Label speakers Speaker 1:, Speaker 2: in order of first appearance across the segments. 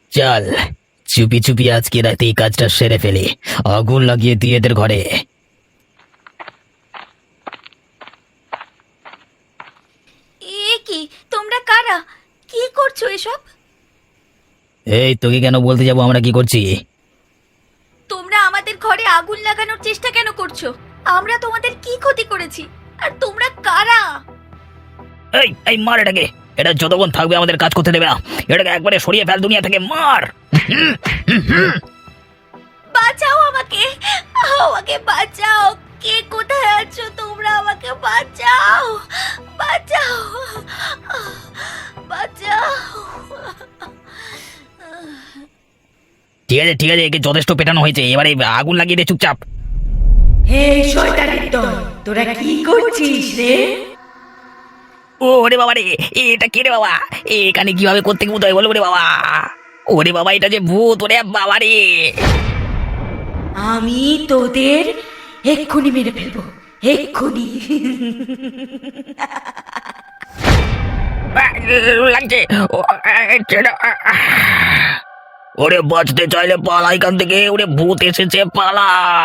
Speaker 1: চল, চুপি চুপি আজকে রাতে এই কাজটা সেরে ফেলি। আগুন লাগিয়ে দিয়ে এদের ঘরে।
Speaker 2: এ কি, তোমরা কারা? কি করছো এসব?
Speaker 1: এই, তোকে কেন বলতে যাবো আমরা কি করছি?
Speaker 2: তোমরা আমাদের ঘরে আগুন লাগানোর চেষ্টা কেন করছো? আমরা তোমাদের কি ক্ষতি করেছি? আর তোমরা কারা?
Speaker 1: এই এই মার এটাকে। এটা যতক্ষণ থাকবে আমাদের কাজ করতে দেবে না। এটাকে একবারে সরিয়ে ফেল দুনিয়া থেকে, মার।
Speaker 2: বাঁচাও আমাকে, আমাকে বাঁচাও। কে কোথায় আছো তোমরা? আমাকে বাঁচাও, বাঁচাও, বাঁচাও।
Speaker 1: ঠিক আছে ঠিক আছে, একে যথেষ্ট পেটানো হয়েছে, এবারে আগুন লাগিয়ে দে চুপচাপ।
Speaker 3: হে শয়তানের দল, তোরা কি করছিস রে?
Speaker 1: ওরে বাবা রে, এটা কে রে বাবা? এখানে কিভাবে করতে ভূত হয় বলো রে বাবা? ওরে বাবা, এটা যে ভূত, ওরে বাবা রে।
Speaker 3: আমি তোদের এক্ষুনি মেরে ফেলবো, এক্ষুনি।
Speaker 1: লাগছে। ওরে বাঁচতে চাইলে পালা এখান থেকে, ওরে ভূত এসেছে, পালা।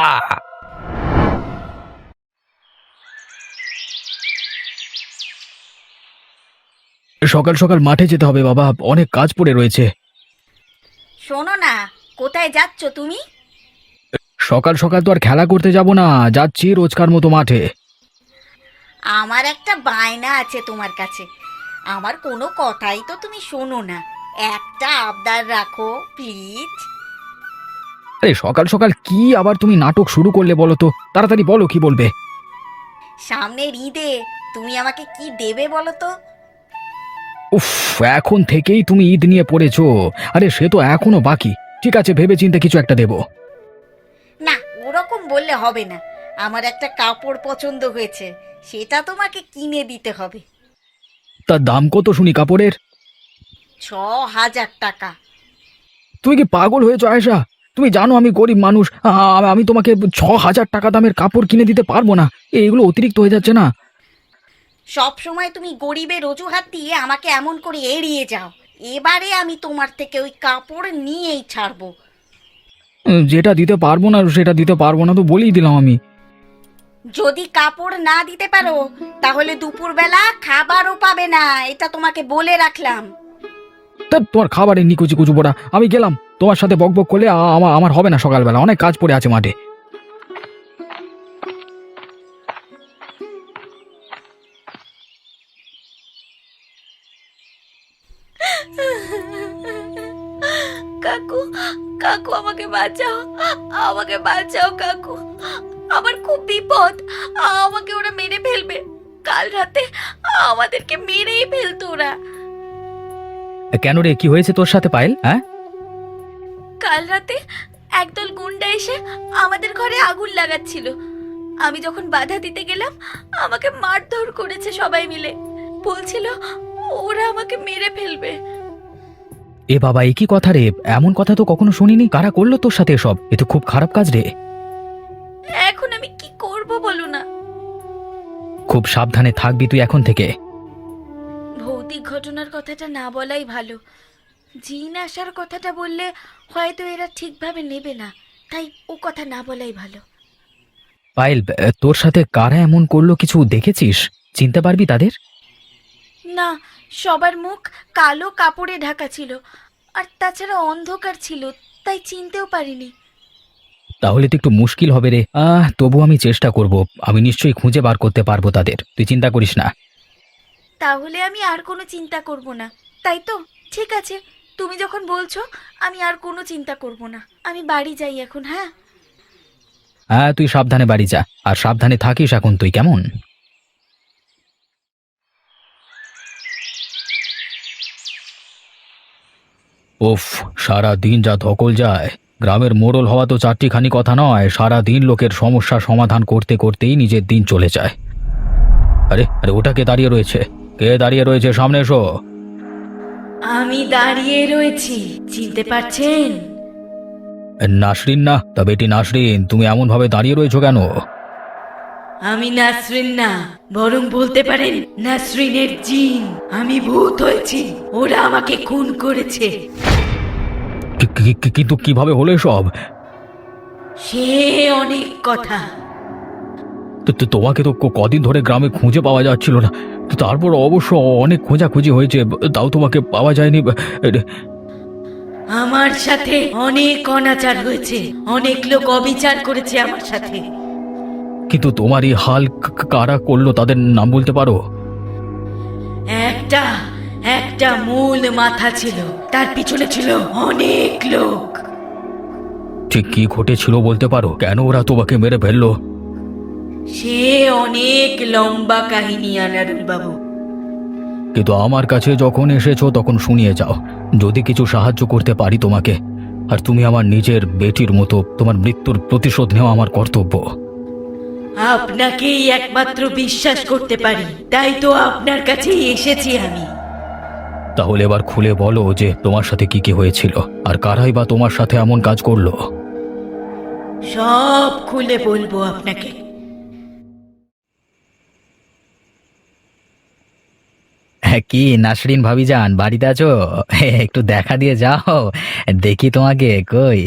Speaker 1: সকাল সকাল মাঠে যেতে হবে বাবা, অনেক কাজ পড়ে রয়েছে।
Speaker 2: শোনো না, কোথায় যাচ্ছ তুমি?
Speaker 1: সকাল সকাল তো আর খেলা করতে যাব না, যাচ্ছি রোজকার মতো মাঠে।
Speaker 2: আমার একটা বায়না আছে তোমার কাছে। আমার কোনো কথাই তো তুমি শোনো না। একটা আবদার রাখো প্লিজ।
Speaker 1: আরে সকাল সকাল কি আবার তুমি নাটক শুরু করলে বলো তো? তাড়াতাড়ি বলো, কি বলবে?
Speaker 2: সামনের ঈদে তুমি আমাকে কি দেবে বলো তো?
Speaker 1: উফ, এখন থেকেই তুমি ঈদ নিয়ে পড়েছো? আরে সে তো এখনো বাকি। ঠিক আছে, ভেবে চিন্তে কিছু একটা দেবো।
Speaker 2: না, ওরকম বললে হবে না। আমার একটা কাপড় পছন্দ হয়েছে, সেটা তোমাকে কিনে দিতে হবে।
Speaker 1: তার দাম কত শুনি কাপড়ের?
Speaker 2: 6,000 টাকা।
Speaker 1: তুমি কি পাগল হয়েছো আয়েশা? তুমি জানো আমি গরিব মানুষ। আমি তোমাকে 6,000 টাকা দামের কাপড় কিনে দিতে পারবো না। এইগুলো অতিরিক্ত হয়ে যাচ্ছে না?
Speaker 2: সব সময় তুমি গরিবের অজুহাত দিয়ে আমাকে এমন করে এড়িয়ে যাও। এবারে আমি তোমার থেকে ওই কাপড় নিয়েই ছাড়বো।
Speaker 1: যেটা দিতে পারবো না সেটা দিতে পারবো না তো বলেই দিলাম আমি।
Speaker 2: যদি কাপড় না দিতে পারো তাহলে দুপুরবেলা খাবারও পাবে না, এটা তোমাকে বলে রাখলাম।
Speaker 1: তা তোমার খাবারের নিকুচি কুচু পড়া, আমি গেলাম। তোমার সাথে বক বক করলে আমার হবে না, সকালবেলা অনেক কাজ পড়ে আছে মাঠে।
Speaker 2: কাকু, কাকু আমাকে বাঁচাও, আমাকে বাঁচাও কাকু। আমার খুব বিপদ, আমাকে ওরা মেরে ফেলবে। কাল রাতে আমাদেরকে মেরেই ফেলতো ওরা।
Speaker 1: কেন রে, কি হয়েছে তোর সাথে পায়েল? হ্যাঁ,
Speaker 2: কাল রাতে একদল গুন্ডা এসে আমাদের ঘরে আগুন লাগাচ্ছিল। আমি যখন বাধা দিতে গেলাম আমাকে মারধর করেছে সবাই মিলে। বলছিল ওরা আমাকে মেরে ফেলবে।
Speaker 1: এ বাবা, এ কি কথা রে? এমন কথা তো কখনো শুনিনি। কারা করলো তোর সাথে এসব? এ তো খুব খারাপ কাজ রে।
Speaker 2: এখন আমি কি করব বলো না?
Speaker 1: খুব সাবধানে থাকবি তুই এখন থেকে।
Speaker 2: ভৌতিক ঘটনার কথাটা না বলাই ভালো। জিন আসার কথাটা বললে হয়তো এরা ঠিকভাবে নেবে না, তাই ও কথা না বলাই ভালো।
Speaker 1: পায়েল, তোর সাথে কারা এমন করলো কিছু দেখেছিস? চিনতে পারবি তাদের?
Speaker 2: না, সবার মুখ কালো কাপড়ে ঢাকা ছিল, আর তাছাড়া অন্ধকার ছিল, তাই চিনতেও পারিনি।
Speaker 1: তাহলে তো একটু মুশকিল হবে রে। তবু আমি চেষ্টা করব। আমি নিশ্চয়ই খুঁজে বার করতে পারবো তাদের, তুই চিন্তা করিস না।
Speaker 2: তাহলে আমি আর কোনো চিন্তা করব না, তাই তো? ঠিক আছে, তুমি যখন বলছো আমি আর কোনো চিন্তা করব না। আমি বাড়ি যাই এখন। হ্যাঁ,
Speaker 1: হ্যাঁ, তুই সাবধানে বাড়ি যা, আর সাবধানে থাকিস এখন তুই, কেমন? উফ, সারা দিন যা ধকল যায়। গ্রামের মোড়ল হওয়া তো চারটিখানি কথা নয়, সারা দিন লোকের সমস্যা সমাধান করতে করতেই নিজের দিন চলে যায়। আরে আরে, ওটা কে দাঁড়িয়ে রয়েছে? কে দাঁড়িয়ে রয়েছে? সামনে এসো।
Speaker 3: আমি দাঁড়িয়ে রয়েছি, চিনতে পারছেন?
Speaker 1: নাসরিন না? তা বেটি নাসরিন, তুমি এমন ভাবে দাঁড়িয়ে রয়েছো কেন?
Speaker 3: আমি নাসরিন না, বরং বলতে পারেন নাসরিনের জিন। আমি ভূত হয়েছি, ওরা আমাকে খুন করেছে।
Speaker 1: কিন্তু কিভাবে হলো সব?
Speaker 3: সে অনেক কথা।
Speaker 1: তোমাকে তো কদিন ধরে গ্রামে খুঁজে পাওয়া যাচ্ছিল না, তারপর অবশ্য অনেক খোঁজাখুঁজি হয়েছে, তাও তোমাকে পাওয়া যায়নি।
Speaker 3: আমার সাথে অনেক অনাচার হয়েছে, অনেক লোক অবিচার করেছে আমার সাথে।
Speaker 1: কিন্তু তোমার এই হাল কারা করলো তাদের নাম বলতে পারো?
Speaker 3: একটা একটা মূল মাথা ছিল, তার পিছনে ছিল অনেক লোক।
Speaker 1: ঠিক কি ঘটেছিল বলতে পারো? কেন ওরা তোমাকে মেরে ফেললো?
Speaker 3: সে অনেক লম্বা কাহিনী আনারুল বাবু।
Speaker 1: কিন্তু আমার কাছে যখন এসেছো তখন শুনিয়ে যাও, যদি কিছু সাহায্য করতে পারি তোমাকে। আর তুমি আমার নিজের বেটির মতো, তোমার মৃত্যুর প্রতিশোধ নেওয়া আমার কর্তব্য।
Speaker 3: আপনাকেই একমাত্র বিশ্বাস করতে পারি, তাই তো আপনার কাছেই এসেছি আমি।
Speaker 1: তাহলে এবার খুলে বলো যে তোমার সাথে কি কি হয়েছিল, আর কারাই বা তোমার সাথে এমন কাজ করলো।
Speaker 3: সব খুলে বলবো আপনাকে।
Speaker 1: কি নাসরিন ভাবিজান, বাড়িতে আছো? একটু দেখা দিয়ে যাও, দেখি তোমাকে কই।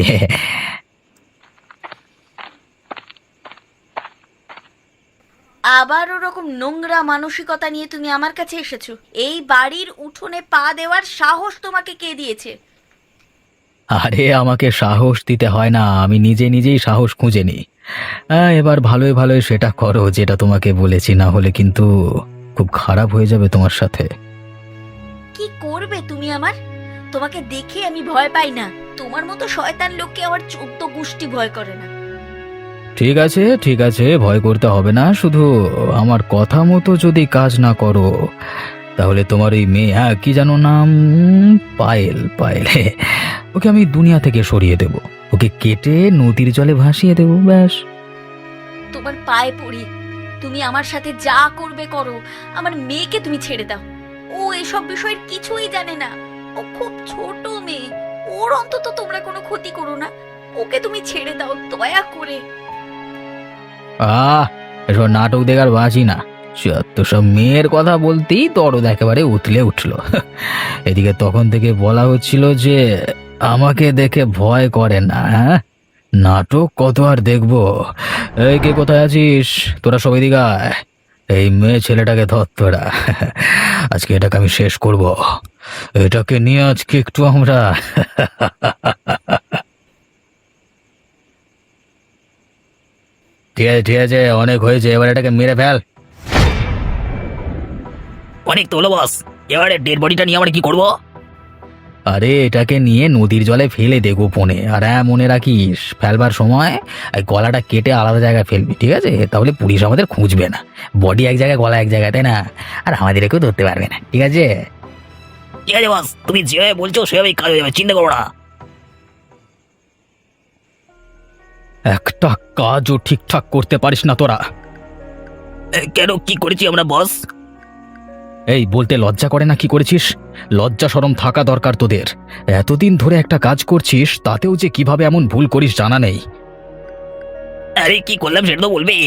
Speaker 2: আবার ওরকম নোংরা মানসিকতা নিয়ে তুমি আমার কাছে এসেছো? এই বাড়ির উঠোনে পা দেওয়ার সাহস তোমাকে কে দিয়েছে?
Speaker 1: আরে আমাকে সাহস দিতে হয় না, আমি নিজে নিজেই সাহস খুঁজে নিই। এবার ভালোই ভালোই সেটা করো যেটা তোমাকে বলেছি, না হলে কিন্তু খুব খারাপ হয়ে যাবে তোমার সাথে।
Speaker 2: কি করবে তুমি আমার? তোমাকে দেখে আমি ভয় পাই না, তোমার মতো শয়তান লোককে আমার 14 গোষ্ঠী ভয় করে না।
Speaker 1: ঠিক আছে ঠিক আছে, ভয় করতে হবে না, শুধু আমার কথা মতো যদি কাজ না করো তাহলে তোমার এই মেয়ে, কি জানো নাম, পায়েল, পায়েল, ওকে আমি দুনিয়া থেকে সরিয়ে দেব, ওকে কেটে নদীর জলে ভাসিয়ে দেব, ব্যাস।
Speaker 2: তোমার পায়ে পড়ি, তুমি আমার সাথে যা করবে করো, আমার মেয়েকে তুমি ছেড়ে দাও। ও এসব বিষয়ের কিছুই জানে না, ও খুব ছোট মেয়ে, ওর অন্তত তোমরা কোনো ক্ষতি করো না। ওকে তুমি ছেড়ে দাও দয়া করে।
Speaker 1: এসব নাটক দেখার বাঁচি না, তো সব মেয়ের কথা বলতেই দরদ একেবারে উতলে উঠল। এদিকে তখন থেকে বলা হচ্ছিল যে আমাকে দেখে ভয় করে না। নাটক কত আর দেখবো। এই কে কোথায় আছিস? তোরা সব এদিকে আয়। এই মেয়ে ছেলেটাকে ধর তোরা, আজকে এটাকে আমি শেষ করব। এটাকে নিয়ে আজকে একটু আমরা ঠিক আছে ঠিক আছে, অনেক হয়েছে, এবার এটাকে মেরে ফেল।
Speaker 4: অনেক তো হলো বস, এবারে ডেড বডিটা নিয়ে আমরা কি করব?
Speaker 1: আরে এটাকে নিয়ে নদীর জলে ফেলে দে গোপনে, আর মনে রাখিস ফেলবার সময় এই গলাটা কেটে আলাদা জায়গায় ফেলবি, ঠিক আছে? তাহলে পুলিশ আমাদের খুঁজবে না, বডি এক জায়গায় গলা এক জায়গায়, তাই না? আর আমাদেরকেও ধরতে পারবে না, ঠিক আছে?
Speaker 4: ঠিক আছে বস, তুমি যেভাবে বলছো সেভাবেই কাজ হয়ে যাবে, চিন্তা করো না।
Speaker 1: একটা কাজও ঠিকঠাক করতে পারিস না তোরা।
Speaker 4: কেন, কি করেছি আমরা বস?
Speaker 1: এই বলতে লজ্জা করে না কি করেছিস? লজ্জা শরম থাকা দরকার তোদের। এতদিন ধরে একটা কাজ করছিস, তাতেও যে কিভাবে এমন ভুল করিস জানা নেই।
Speaker 4: আরে কি করলাম সেটা তো বলবে।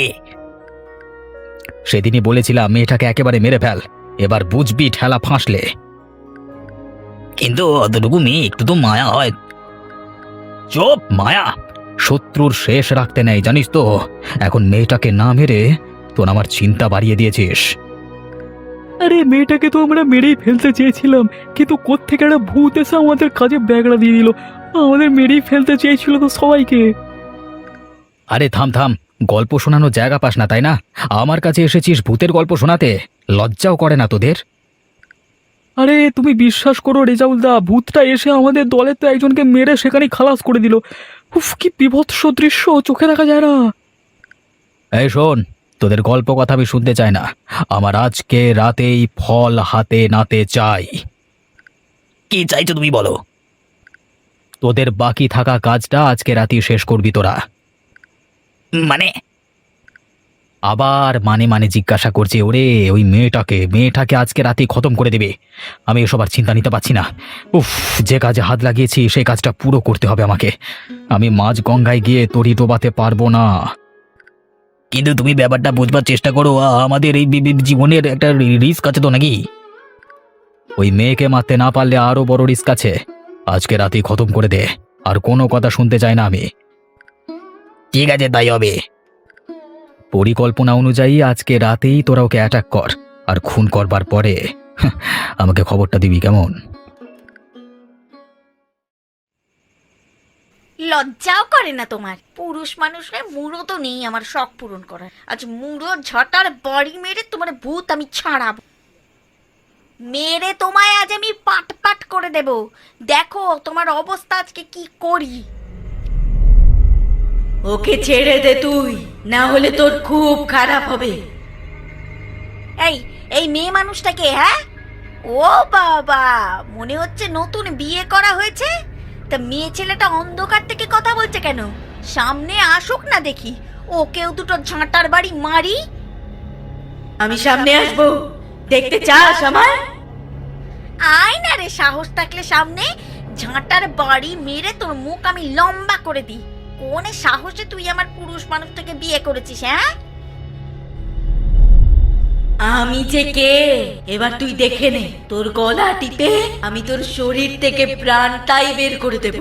Speaker 1: সেদিনই বলেছিলাম মেয়েটাকে একেবারে মেরে ফেল, এবার বুঝবি ঠেলা ফাঁসলে।
Speaker 4: কিন্তু অতটুকু মেয়ে, একটু তো মায়া হয়।
Speaker 1: চুপ! মায়া শত্রুর শেষ রাখতে নেই, জানিস তো? এখন মেয়েটাকে না মেরে তোর আমার চিন্তা বাড়িয়ে দিয়েছিস।
Speaker 5: আরে মেয়েটাকে তো আমরা মেরেই ফেলতে চেয়েছিলাম, কিন্তু কোত্থেকে একটা ভূত এসে আমাদের কাজে ব্যাগড়া দিয়ে দিল। আমাদের মেরেই ফেলতে চেয়েছিল তো সবাইকে।
Speaker 1: আরে থাম থাম, গল্প শোনানোর জায়গা পাস না তাই না? আমার কাছে এসেছিস ভূতের গল্প শোনাতে? লজ্জাও করে না তোদের?
Speaker 5: আরে তুমি বিশ্বাস করো রেজাউলদা, ভূতটা এসে আমাদের দলের তো একজনকে মেরে সেখানেই খালাস করে দিল। উফ, কি বিভৎস দৃশ্য, চোখে দেখা যায় না।
Speaker 1: এই শোন, তোদের গল্প কথা আমি শুনতে চাই না, আমার আজকে রাতেই ফল হাতে নাতে চাই।
Speaker 4: কি চাইছো তুমি বলো?
Speaker 1: তোদের বাকি থাকা কাজটা আজকে রাতেই শেষ করবি তোরা।
Speaker 4: মানে?
Speaker 1: আবার মানে মানে জিজ্ঞাসা করছে? ওরে ওই মেয়েটাকে আজকে রাতেই খতম করে দেবে। আমি এসব আর চিন্তা নিতে পারছি না। উফ, যে কাজে হাত লাগিয়েছি সেই কাজটা পুরো করতে হবে আমাকে। আমি মাঝ গঙ্গায় গিয়ে তরি ডোবাতে পারবো না।
Speaker 4: কিন্তু তুমি ব্যাপারটা বুঝবার চেষ্টা করো, আমাদের এই জীবনের একটা রিস্ক আছে তো নাকি?
Speaker 1: ওই মেয়েকে মারতে না পারলে আরো বড় রিস্ক আছে। আজকে রাতেই খতম করে দে, আর কোনো কথা শুনতে চাই না আমি।
Speaker 4: ঠিক আছে, তাই হবে।
Speaker 1: পরিকল্পনা অনুযায়ী আজকে রাতেই তোরা ওকে অ্যাটাক কর, আর খুন করবার পরে আমাকে খবরটা দিবি, কেমন?
Speaker 2: লজ্জাও করে না তোমার? পুরুষ মানুষের মুড়ো তো নেই আমার শখ পূরণ করার। আজ মুড়ো ঝটার বাড়ি মেরে তোমার ভূত আমি ছাড়াবো। মেরে তোমায় আজ আমি পাট পাট করে দেব। দেখো তোমার অবস্থা আজকে কি করি।
Speaker 3: ওকে ছেড়ে দে তুই, না হলে তোর খুব খারাপ হবে।
Speaker 2: এই এই মেয়ে মানুষটাকে, হ্যাঁ? ও বাবা, মনে হচ্ছে নতুন বিয়ে করা হয়েছে। তা মেয়ে ছেলেটা অন্ধকার থেকে কথা বলছে কেন? সামনে আসুক না দেখি, ওকেও দুটো ঝাঁটার বাড়ি মারি।
Speaker 3: আমি সামনে আসবো, দেখতে চাস আমার?
Speaker 2: আয় না রে, সাহস থাকলে সামনে ঝাঁটার বাড়ি মেরে তোর মুখ আমি লম্বা করে দিই। কোন সাহসে তুই আমার পুরুষ মানুষটাকে বিয়ে করেছিস, হ্যাঁ?
Speaker 3: আমি যে কে এবার তুই দেখে নে। তোর গলা টিপে আমি তোর শরীর থেকে প্রাণটাই বের করে দেব।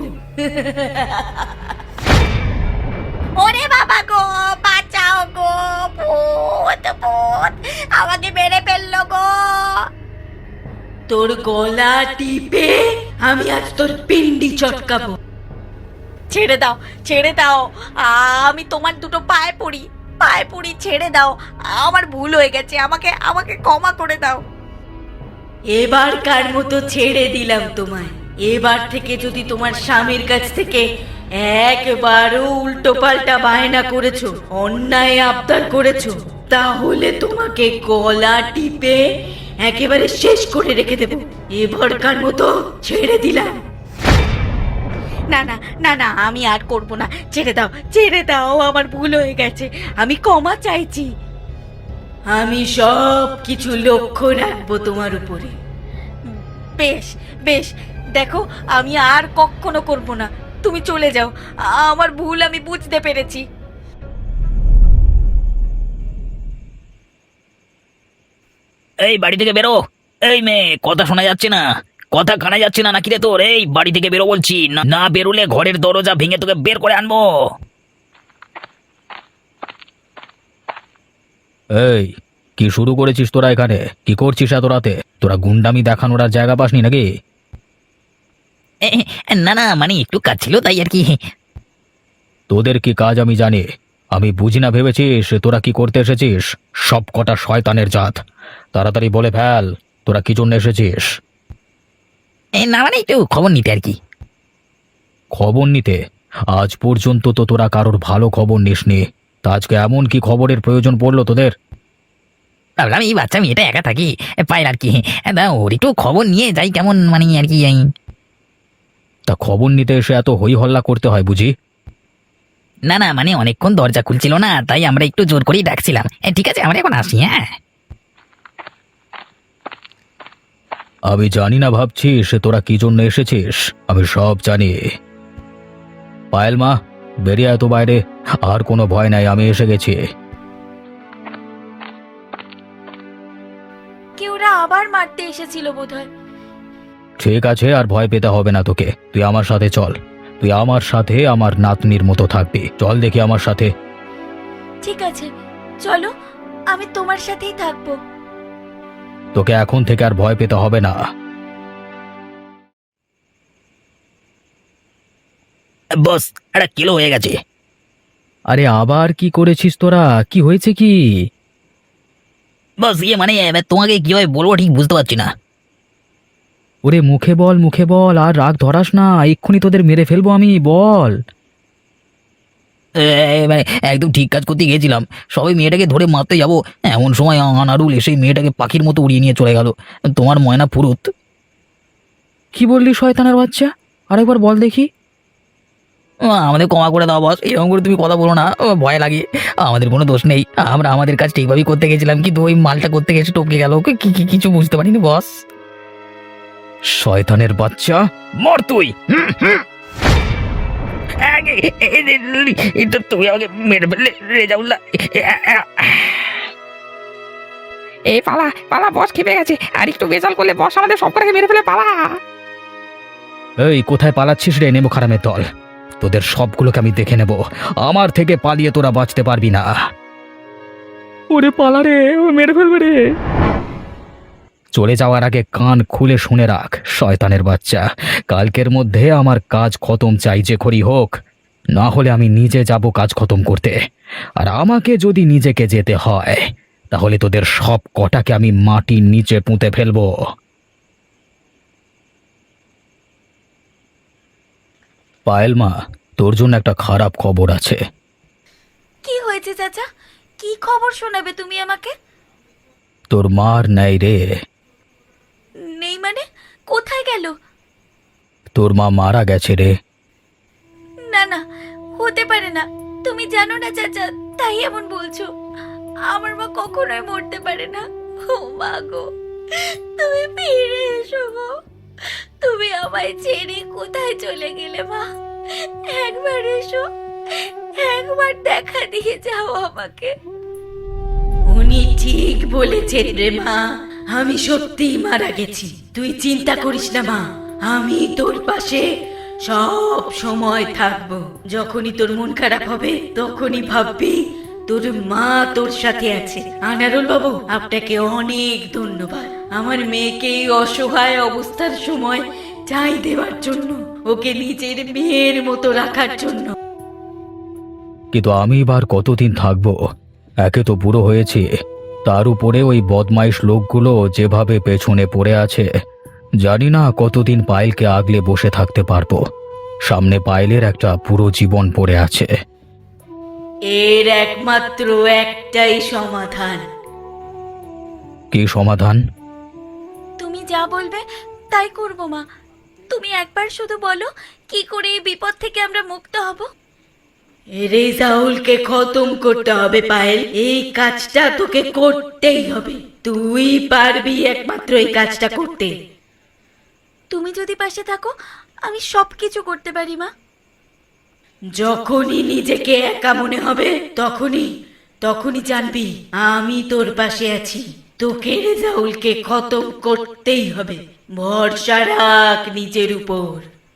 Speaker 2: ওরে বাবা গো, বাঁচাও গো, ভূত ভূত আমাকে মেরে ফেললো গো।
Speaker 3: তোর গলা টিপে আমি আজ তোর পিন্ডি চটকাবো।
Speaker 2: ছেড়ে দাও, ছেড়ে দাও, আমি তোমার দুটো পায়ে পড়ি, পায়ে পড়ি, ছেড়ে দাও। আমার ভুল হয়ে গেছে, আমাকে আমাকে ক্ষমা করে দাও।
Speaker 3: এবারকার মতো ছেড়ে দিলাম তোমায়। এবার থেকে যদি তোমার স্বামীর কাছ থেকে একবারও উল্টো পাল্টা বায়না করেছো, অন্যায় আবদার করেছো, তাহলে তোমাকে গলা টিপে একেবারে শেষ করে রেখে দেব। এবারকার মতো ছেড়ে দিলাম।
Speaker 2: না না না না, আমি আর করব না, ছেড়ে দাও, ছেড়ে দাও, আমার ভুল হয়ে গেছে, আমি ক্ষমা চাইছি।
Speaker 3: আমি সব কিছু লক্ষ্য রাখবো তোমার উপরে।
Speaker 2: বেশ বেশ, দেখো আমি আর কখনো করব না, তুমি চলে যাও, আমার ভুল আমি বুঝতে পেরেছি।
Speaker 4: এই বাড়ি থেকে বেরো। এই মেয়ে, কথা শোনা যাচ্ছে না, কথা কানা যাচ্ছে না নাকি রে তোর? এই বাড়ি থেকে বেরো বলছি, না না বেরোলে ঘরের দরজা ভেঙে তোকে বের করে আনবো।
Speaker 1: এই, কি শুরু করেছিস তোরা এখানে? কি করছিস এত রাতে? তোরা গুন্ডামি দেখানোর আর জায়গা পাসনি নাকি?
Speaker 4: না না, মানে একটু কাজ ছিল তাই আর কি।
Speaker 1: তোদের কি কাজ আমি জানি, আমি বুঝি না ভেবেছিস তোরা কি করতে এসেছিস? সব কটা শয়তানের জাত, তাড়াতাড়ি বলে ফেল তোরা কি জন্য এসেছিস।
Speaker 4: না মানে একটু খবর নিতে আর কি।
Speaker 1: খবর নিতে? আজ পর্যন্ত তো তোরা কারোর ভালো খবর নিসনি, তা আজকে এমন কি খবরের প্রয়োজন পড়লো তোদের?
Speaker 4: ভাবলাম এই বাচ্চা মেয়েটা একা থাকি, পাই আর কি, ওর একটু খবর নিয়ে যাই কেমন মানে আর কি।
Speaker 1: তা খবর নিতে এসে এত হই হল্লা করতে হয় বুঝি?
Speaker 4: না না, মানে অনেকক্ষণ দরজা খুলছিল না, তাই আমরা একটু জোর করেই ডাকছিলাম। ঠিক আছে, আমরা এখন আসি। হ্যাঁ,
Speaker 1: আমি জানি না ভাবছিস তোরা কি জন্য এসেছিস, আমি সব জানি। পায়েল মা, বেরিয়ে এত বাইরে, আর কোনো ভয় নাই, আমি এসে গেছি।
Speaker 2: কেউরা আবার মারতে এসেছিল বোধহয়।
Speaker 1: ঠিক আছে, আর ভয় পেতে হবে না তোকে, তুই আমার সাথে চল। তুই আমার সাথে আমার নাতনির মতো থাকবি, চল দেখি আমার সাথে।
Speaker 2: ঠিক আছে, চলো, আমি তোমার সাথেই থাকবো।
Speaker 1: তোকে এখন থেকে আর ভয় পেতে হবে না।
Speaker 4: বস, একটা কিলো হয়ে গেছে।
Speaker 1: আরে আবার কি করেছিস তোরা? কি হয়েছে কি?
Speaker 4: বস, মানে তোমাকে কিভাবে বলবো ঠিক বুঝতে পারছি না।
Speaker 1: ওরে মুখে বল, মুখে বল, আর রাগ ধরাস না, এক্ষুনি তোদের মেরে ফেলবো আমি, বল।
Speaker 4: মানে একদম ঠিক কাজ করতে গিয়েছিলাম, সবাই মেয়েটাকে ধরে মারতে যাবো, এমন সময় আনারুল এসে মেয়েটাকে পাখির মতো উড়িয়ে নিয়ে চলে গেল। তোমার ময়না ফুরুত।
Speaker 1: কি বললি শয়তানের বাচ্চা? আরেকবার বল দেখি।
Speaker 4: আমাদের ক্ষমা করে দাও বস, এরকম করে তুমি কথা বলো না, ভয় লাগে। আমাদের কোনো দোষ নেই, আমরা আমাদের কাজ ঠিকভাবেই করতে গেছিলাম, কিন্তু ওই মালটা করতে গেছে টপকে গেল, কিছু বুঝতে পারিনি বস।
Speaker 1: শয়তানের বাচ্চা,
Speaker 4: মর তুই। এটা তুমি আমাকে মেরে ফেললে রেজাউল্লাহ।
Speaker 6: এই পালা পালা, বস খেপে গেছে, আর একটু বেজাল করলে বস আমাদের সব কটাকে মেরে ফেলে, পালা।
Speaker 1: এই কোথায় পালাচ্ছিস রে নেমো খারামের দল? তোদের সবগুলোকে আমি দেখে নেব। আমার থেকে পালিয়ে তোরা বাঁচতে পারবি না।
Speaker 5: ওরে পালা রে, ও মেরে ফেলবে রে।
Speaker 1: চলে যাওয়ার আগে কান খুলে শুনে রাখ শয়তানের বাচ্চা, কালকের মধ্যে আমার কাজ খতম চাই যে করি হোক, না হলে আমি নিজে যাব কাজ খতম করতে। আর আমাকে যদি নিজেকে যেতে হয় তাহলে তোদের সব কটাকে আমি মাটির নিচে পুঁতে ফেলবো। পায়েল মা, তোর জন্য একটা খারাপ খবর আছে।
Speaker 2: কি হয়েছে চাচা? কি খবর শোনাবে তুমি আমাকে?
Speaker 1: তোর মার নাই রে।
Speaker 2: নেই মানে? কোথায় গেল?
Speaker 1: তোর মা মারা গেছে রে।
Speaker 2: না না, হতে পারে না। তুমি জানো না চাচা, তাই এমন বলছো। আমার মা কখনোই মরতে পারে না। ও মা গো, তুমি ফিরে এসো গো। তুমি আমায় ছেড়ে কোথায় চলে গেলে মা? একবার এসো, একবার দেখা দিয়ে যাও আমাকে।
Speaker 3: উনি ঠিক বলেছেন রে মা, আমি সত্যিই মারা গেছি। তুই চিন্তা করিস না মা, আমি তোর পাশে সব সময় থাকবো। যখনই তোর মন খারাপ হবে তখনই ভাববি তোর মা তোর সাথে আছে। আনারুল বাবু, আপনাকে অনেক ধন্যবাদ আমার মেয়েকে এই অসহায় অবস্থার সময় চাই দেওয়ার জন্য, ওকে নিজের মেয়ের মতো রাখার জন্য।
Speaker 1: কিন্তু আমি এবার কতদিন থাকবো? একে তো বুড়ো হয়েছি, তার উপরে ওই বদমাইশ লোকগুলো যেভাবে পেছনে পড়ে আছে, জানি না কতদিন পায়েলকে আগলে বসে থাকতে পারবো। সামনে পায়েলের একটা পুরো জীবন পড়ে আছে।
Speaker 3: এর একমাত্র একটাই সমাধান।
Speaker 1: কি সমাধান?
Speaker 2: তুমি যা বলবে তাই করব মা। তুমি একবার শুধু বলো, কি করে এই বিপদ থেকে আমরা মুক্ত হব?
Speaker 3: রেজাউলকে খতম করতে হবে পায়েল, এই কাজটা তোকে করতেই হবে। তুই পারবি একমাত্র এই কাজটা করতে।
Speaker 2: তুমি যদি পাশে থাকো আমি সবকিছু করতে পারি মা।
Speaker 3: যখনই নিজেকে একা মনে হবে তখনই জানবি আমি তোর পাশে আছি। তোকে রেজাউলকে খতম করতেই হবে। ভরসা রাখ নিজের উপর।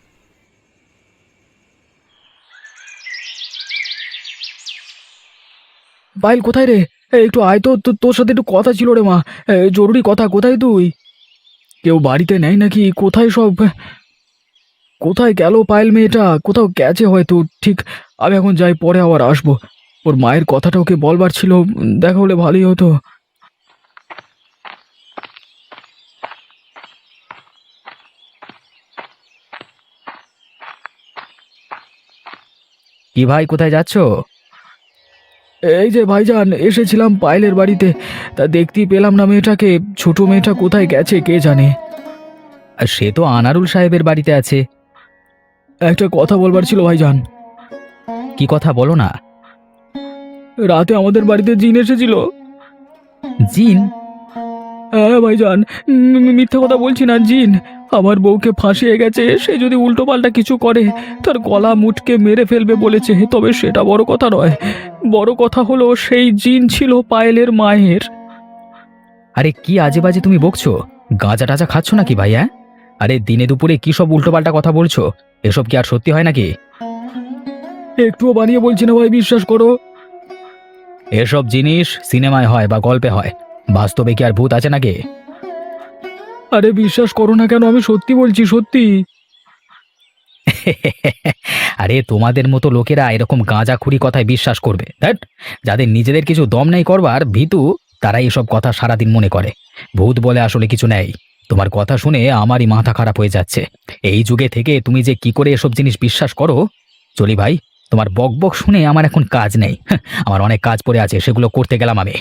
Speaker 5: পায়েল কোথায় রে? একটু আয় তো, তোর সাথে একটু কথা ছিল রে মা। জরুরি কথা। কোথায় তুই? কেউ বাড়িতে নেই নাকি? কোথায় সব? কোথায় গেল পায়েল মেয়েটা? কোথাও গেছে হয়তো। ঠিক, আমি এখন যাই, পরে আবার আসবো। ওর মায়ের কথাটা ওকে বলবার ছিল, দেখা হলে ভালোই হতো।
Speaker 1: কি ভাই, কোথায় যাচ্ছো?
Speaker 5: এই যে ভাইজান, এসেছিলাম পায়েলের বাড়িতে, তা দেখতেই পেলাম না মেয়েটাকে। ছোট মেয়েটা কোথায় গেছে কে জানে।
Speaker 1: আর সে তো আনারুল সাহেবের বাড়িতে আছে।
Speaker 5: একটা কথা বলবার ছিল ভাইজান।
Speaker 1: কি কথা বলো না।
Speaker 5: রাতে আমাদের বাড়িতে জিন এসেছিল।
Speaker 1: জিন?
Speaker 5: হ্যাঁ ভাইজান, মিথ্যে কথা বলছি না, জিন আমার বউকে ফাঁসিয়ে গেছে। সে যদি উল্টোপাল্টা কিছু করে তার গলা মুটকে মেরে ফেলবে বলেছে। তবে সেটা বড় কথা নয়, বড় কথা হলো সেই জিন ছিল পায়েলের মায়ের।
Speaker 1: আরে কি আজে বাজে তুমি বকছো? গাঁজা টাজা খাচ্ছ নাকি ভাই? হ্যাঁ, আরে দিনে দুপুরে কি সব উল্টোপাল্টা কথা বলছো? এসব কি আর সত্যি হয় নাকি?
Speaker 5: একটুও বানিয়ে বলছি না ভাই, বিশ্বাস করো।
Speaker 1: এসব জিনিস সিনেমায় হয় বা গল্পে হয়, বাস্তবে কি আর ভূত আছে নাকি?
Speaker 5: আরে বিশ্বাস করো না কেন, আমি সত্যি বলছি, সত্যি।
Speaker 1: আরে তোমাদের মতো লোকেরা এরকম গাঁজাখুরি কথায় বিশ্বাস করবে? ধ্যাৎ, যাদের নিজেদের কিছু দম নেই করবার, ভীতু, তারাই এসব কথা সারাদিন মনে করে। ভূত বলে আসলে কিছু নেই। তোমার কথা শুনে আমারই মাথা খারাপ হয়ে যাচ্ছে। এই যুগে থেকে তুমি যে কি করে এসব জিনিস বিশ্বাস করো। চলি ভাই, তোমার বকবক শুনে আমার এখন কাজ নেই। আমার অনেক কাজ পড়ে আছে, সেগুলো করতে গেলাম আমি।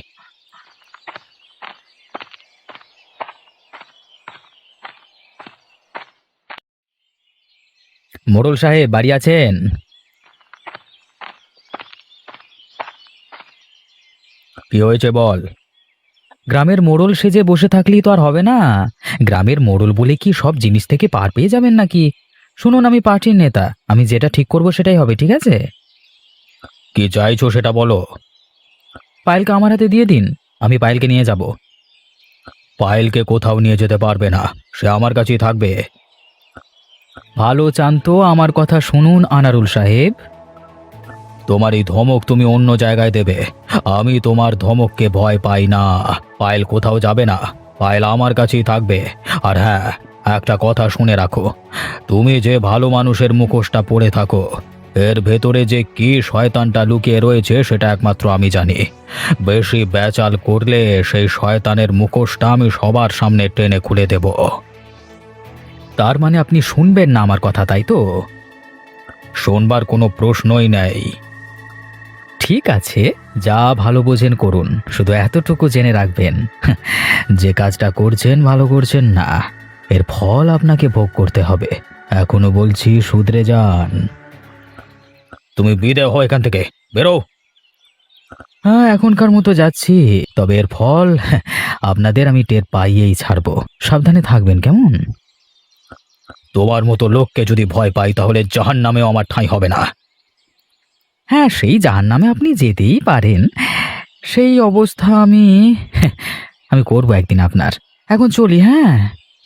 Speaker 1: মোড়ল সাহেব বাড়ি আছেন? কি হয়েছে বল। গ্রামের মোড়ল সেজে বসে থাকলেই তো আর হবে না। গ্রামের মোড়ল বলে কি সব জিনিস থেকে পার পেয়ে যাবেন নাকি? শুনুন, আমি পার্টির নেতা, আমি যেটা ঠিক করব সেটাই হবে, ঠিক আছে? কি চাইছো সেটা বলো। পায়েলকে আমার হাতে দিয়ে দিন, আমি পায়েলকে নিয়ে যাব। পায়েলকে কোথাও নিয়ে যেতে পারবে না, সে আমার কাছেই থাকবে। ভালো চান তো আমার কথা শুনুন আনারুল সাহেব। তোমার এই ধমক তুমি অন্য জায়গায় দেবে। আমি তোমার ধমককে ভয় পাই না। পায়েল কোথাও যাবে না, পায়েল আমার কাছেই থাকবে। আর হ্যাঁ, একটা কথা শুনে রাখো, তুমি যে ভালো মানুষের মুখোশটা পরে থাকো, এর ভেতরে যে কি শয়তানটা লুকিয়ে রয়েছে সেটা একমাত্র আমি জানি। বেশি বেচাল করলে সেই শয়তানের মুখোশটা আমি সবার সামনে টেনে খুলে দেব। তার মানে আপনি শুনবেন না আমার কথা, তাই তো? শোনবার কোনো প্রশ্নই নেই। ঠিক আছে, যা ভালো বোঝেন করুন, শুধু এতটুকু জেনে রাখবেন, যে কাজটা করছেন ভালো করছেন না, এর ফল আপনাকে ভোগ করতে হবে। এখনো বলছি, শুধরে যান। তুমি বিদায় হও এখান থেকে, বেরো। হ্যাঁ, এখনকার মতো যাচ্ছি, তবে এর ফল আপনাদের আমি টের পাইয়েই ছাড়বো। সাবধানে থাকবেন, কেমন? তোমার মতো লোককে যদি ভয় পাই তাহলে জাহান্নামেও আমার ঠাঁই হবে না। হ্যাঁ, সেই জাহান্নামে আপনি যেতেই পারেন, সেই অবস্থা আমি আমি করবো একদিন আপনার। এখন চলি, হ্যাঁ।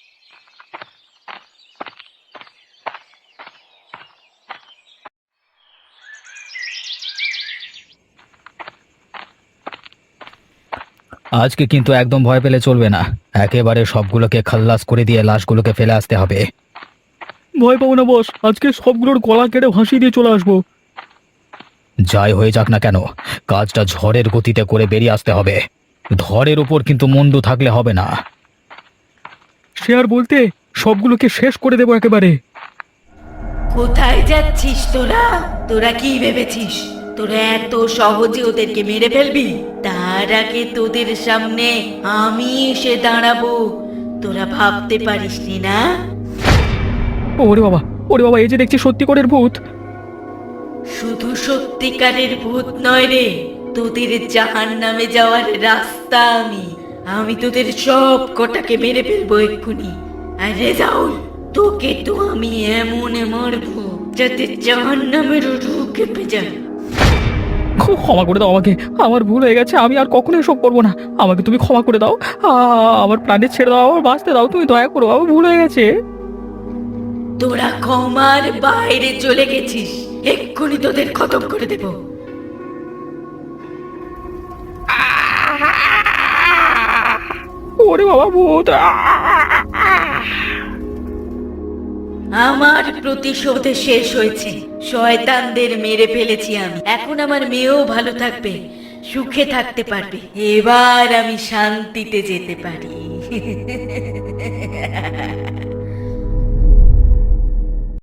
Speaker 1: আজকে কিন্তু একদম ভয় পেলে চলবে না, একেবারে সবগুলোকে খাল্লাস করে দিয়ে লাশগুলোকে ফেলে আসতে হবে।
Speaker 5: ভয় পাবো না বস, আজকে সবগুলোর গলা কেটে ভাসিয়ে দিয়ে চলে আসবো।
Speaker 1: যাই হয়ে যাক না কেন, কাজটা ঝড়ের গতিতে করে বেরিয়ে আসতে হবে। ধরের উপর কিন্তু মন্দ থাকলে হবে না।
Speaker 5: সে আর বলতে, সবগুলোকে শেষ করে দেবো একেবারে।
Speaker 3: কোথায় যাচ্ছিস তোরা? তোরা কি ভেবেছিস তোরা এত সহজে ওদেরকে মেরে ফেলবি? তার আগে তোদের সামনে আমি এসে দাঁড়াবো, তোরা ভাবতে পারিসনি না?
Speaker 5: ওরে বাবা, ওরে বাবা, এই যে দেখছি সত্যিকারের ভূত।
Speaker 3: শুধু সত্যিকারের ভূত নয় রে, তোদের জাহান্নামে যাওয়ার রাস্তা আমি তোদের সব কটাকে মেরে ফেলবো এক্ষুনি। আর রেজাউল, তোকে তো আমি এমন মারবো যাতে জাহান্নামের রূহ কেঁপে যায়।
Speaker 5: ক্ষমা করে দাও আমাকে, আমার ভুল হয়ে গেছে, আমি আর কখনো এসব করবো না। আমাকে তুমি ক্ষমা করে দাও, আমার প্রাণে ছেড়ে দাও, আমার বাঁচতে দাও, তুমি দয়া করো, আমার ভুল হয়ে গেছে।
Speaker 3: তোরা ক্ষমার বাইরে চলে গেছিস, এক্ষুনি তোদের খতম করে দেব।
Speaker 5: ওরে বাবা, ভূত!
Speaker 3: আমার প্রতিশোধ শেষ হয়েছে, শয়তানদের মেরে ফেলেছি আমি। এখন আমার মেয়েও ভালো থাকবে, সুখে থাকতে পারবে। এবার আমি শান্তিতে যেতে পারি।